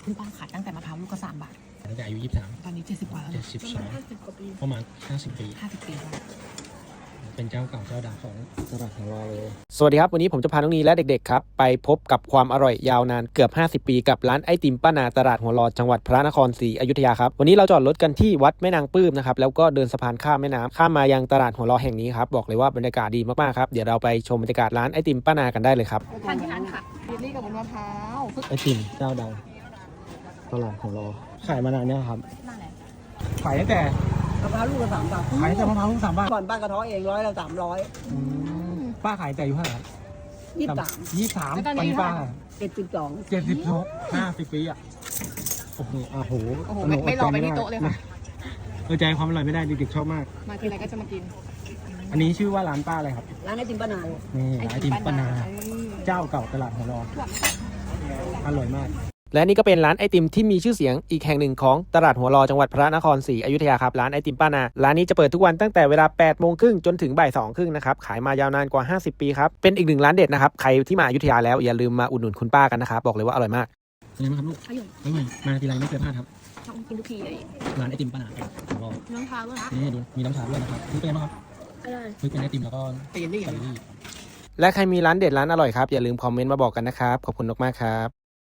คุณป้าขายตั้งแต่มะพร้าวลูกก็3 บาทตั้งแต่อายุ23 ตอนนี้70 กว่าแล้ว 72ประมาณ50 ปี 50 ปีแล้วเป็นเจ้าเก่าเจ้าดังของตลาดของเราเลยสวัสดีครับวันนี้ผมจะพาน้องนีและเด็กๆครับไปพบกับความอร่อยยาวนานเกือบ50 ปีกับร้านไอติมป้านาตลาดหัวรอจังหวัดพระนครศรีอยุธยาครับวันนี้เราจอดรถกันที่วัดแม่นางปื้มนะครับแล้วก็เดินสะพานข้ามแม่น้ำข้ามมายังตลาดหัวรอแห่งนี้ครับบอกเลยว่าบรรยากาศดีมากๆครับเดี๋ยวเราไปชมบรรยากาศร้านไอติมป้านากันได้เลยครับทานที่ร้านค่ะเยลลี่กับบนมะพร้าวไอติมเจ้าดังตลาดของเราขายมานานเนี่ยครับนั่นแหละขายตั้งแต่มะพร้าวลูกละ3 บาทขายตั้งแต่มะพร้าวลูก3 บาทก่อนป้ากระเท้อเอง100 ละป้าขายแต่อายุเท่าไหร่ครับ 300 23ตอนนี้ป้า 72 50 ปีอ่ะโอ้โหโอ้โหไม่รอไปที่โต๊ะเลยค่ะใจความอร่อยไม่ได้เด็กๆชอบมากมาทีไรก็จะมากินอันนี้ชื่อว่าร้านป้าอะไรครับร้านไอติมป้านานี่ไอติมป้านาเจ้าเก่าตลาดหัวรออร่อยมากและนี่ก็เป็นร้านไอติมที่มีชื่อเสียงอีกแห่งหนึ่งของตลาดหัวรอจังหวัดพระนครศรีอยุธยาครับร้านไอติมป้านาร้านนี้จะเปิดทุกวันตั้งแต่เวลา 8:30 จนถึงบ่าย 2:30 นะครับขายมายาวนานกว่า50 ปีครับเป็นอีกหนึ่งร้านเด็ดนะครับใครที่มาอยุธยาแล้วอย่าลืมมาอุดหนุนคุณป้ากันนะครับบอกเลยว่าอร่อยมากเป็นไงบ้างครับลูกอร่อยอร่อยมาทีไรไม่เคยพลาดครับชอบกินทุกทีเลยร้านไอติมป้านาของเราน้องพร้าวด้วยนะนี่ดูมีน้ำชาด้วยนะครับนี่เป็นไงบ้างครับอร่อยนี่เป็นไอติมแล้วก็เยลลี่เยลลี่และใครมีร้านเด็ดร้านอร่อยครับอย่าลืมคอมเมนต์มาบอกกันนะครับขอบคุณมากๆครับ